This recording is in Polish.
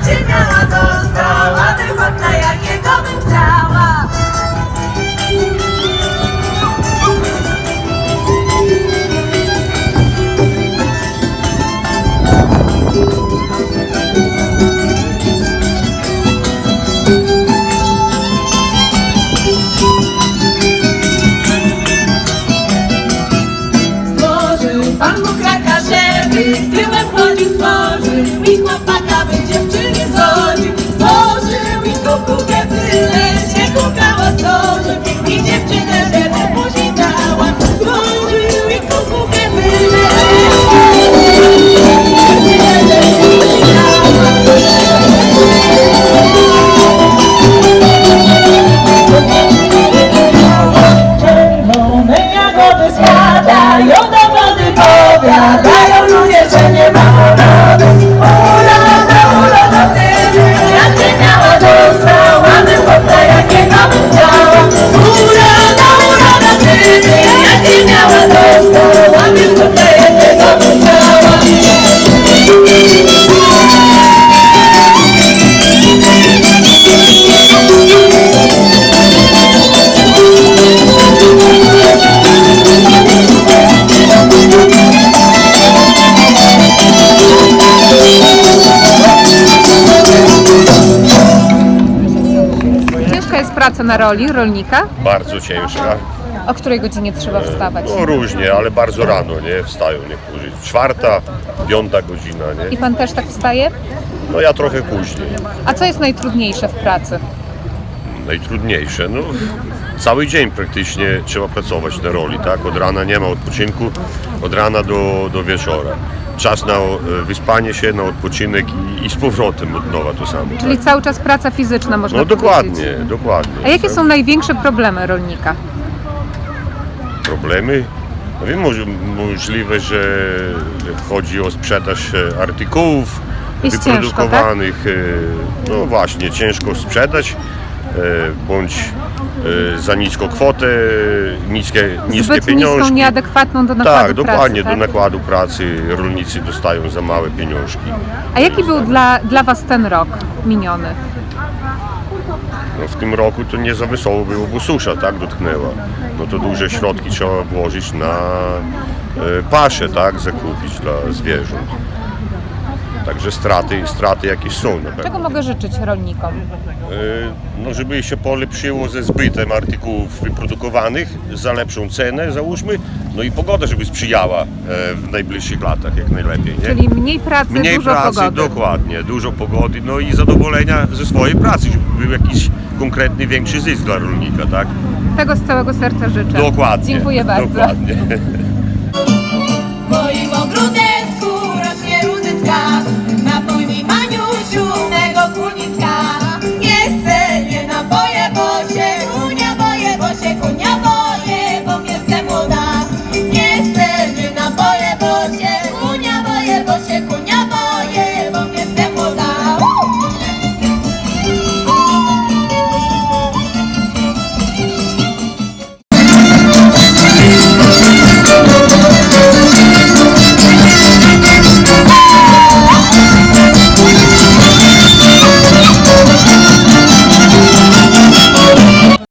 cię miała, dostałabym chłopca, jakiego bym chciała. Pan Bóg raka, żeby tyłem chodził, stworzył i chłopaka, by dziewczyny zgodził. Stworzył i kukułkę tyle się kukała, stworzył i dziewczynę, żeby później dała. Stworzył i kukułkę tyle czerwone jagody spadają do wody, powiadają ludzie, że nie ma urody. Uroda, ty, jak cię miała, dostałabym chłopca, jakiego bym chciała. Uroda, ty, jak cię miała, dostałabym chłopca, jakiego bym chciała. Ciężka jest praca na roli rolnika? Bardzo ciężka. O której godzinie trzeba wstawać? No różnie, ale bardzo rano, nie? Wstają niektórzy. 4., 5. godzina, I nie? pan też tak wstaje? No ja trochę później. A co jest najtrudniejsze w pracy? Najtrudniejsze, no cały dzień praktycznie trzeba pracować na roli, tak? Od rana nie ma odpoczynku, od rana do wieczora. Czas na wyspanie się, na odpoczynek i z powrotem od nowa to samo. Czyli Tak? cały czas praca fizyczna, można No powiedzieć. dokładnie, dokładnie. A jakie są największe problemy rolnika? Problemy? No wiem, możliwe, że chodzi o sprzedaż artykułów Jest wyprodukowanych. No właśnie, ciężko sprzedać, bądź za niską kwotę, niskie Zbyt pieniążki. niską, nieadekwatną do nakładu Tak, dokładnie, pracy, do nakładu pracy rolnicy dostają za małe pieniążki. A jaki był dla Was ten rok miniony? No, w tym roku to nie za wesoło było, bo susza tak dotknęła. No to duże środki trzeba włożyć na paszę, tak, zakupić dla zwierząt. Także straty jakieś są na pewno. Czego mogę życzyć rolnikom? No, żeby się polepszyło ze zbytem artykułów wyprodukowanych za lepszą cenę, załóżmy, no i pogoda, żeby sprzyjała w najbliższych latach jak najlepiej, nie? Czyli mniej pracy, Mniej dużo pracy, pogody. dokładnie, dużo pogody, no i zadowolenia ze swojej pracy, żeby był jakiś konkretny, większy zysk dla rolnika, tak? Tego z całego serca życzę. Dokładnie. Dziękuję bardzo. Dokładnie.